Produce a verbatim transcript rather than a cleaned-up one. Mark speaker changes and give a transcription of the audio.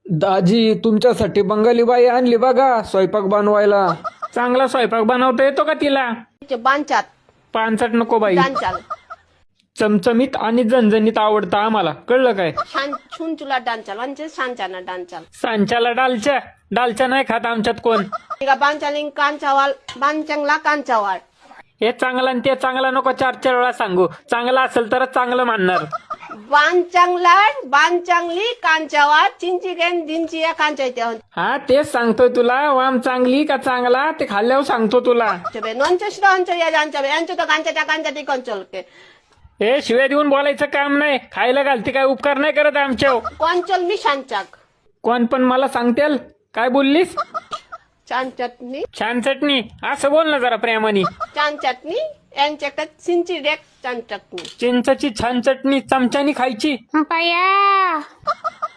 Speaker 1: दाजी तुमच्यासाठी बंगाली बाई आणली बघा स्वयंपाक बनवायला.
Speaker 2: चांगला स्वयंपाक बनवता येतो का तिला?
Speaker 3: बांचात
Speaker 2: पानसट नको बाई,
Speaker 3: डांचाल
Speaker 2: चमचमीत आणि झणझणीत आवडतं आम्हाला, कळलं काय?
Speaker 3: छान छुन चुला डांचाल म्हणजे सांचाना डांचाल
Speaker 2: सांच्याला डालच्या डालच्या नाही खात आमच्यात कोण.
Speaker 3: इका बांचालिंग कांचावाल बांचांगला कांचावाल.
Speaker 2: हे चांगलं आणि ते चांगलं नको चार चार वेळा सांगू. चांगलं असेल तरच चांगलं म्हणणार.
Speaker 3: बांचांगला बांचांगली कांचावाल चिंची गेन दिनची या कांचा येते
Speaker 2: हा तेच सांगतोय तुला. वाम चांगली का चांगला ते खाल्ल्यावर सांगतो तुला.
Speaker 3: नोंच्या शिरांच्या या जांच्या यांच्या तर कांच्याच्या कांच्या ती कंचल के
Speaker 2: हे शिव्या देऊन बोलायचं काम नाही. खायला घालते काय उपकार नाही करत आमच्यावर.
Speaker 3: कंचल मी शांचाक
Speaker 2: कोण पण मला सांगतेल काय बोललीस?
Speaker 3: छान चटणी
Speaker 2: छान चटणी असं बोल ना जरा प्रेमाने.
Speaker 3: छान चटणी यांच्याकडे चिंची डेक छान चटणी
Speaker 2: चिंचची छान चटणी चमच्यानी खायची.
Speaker 4: बया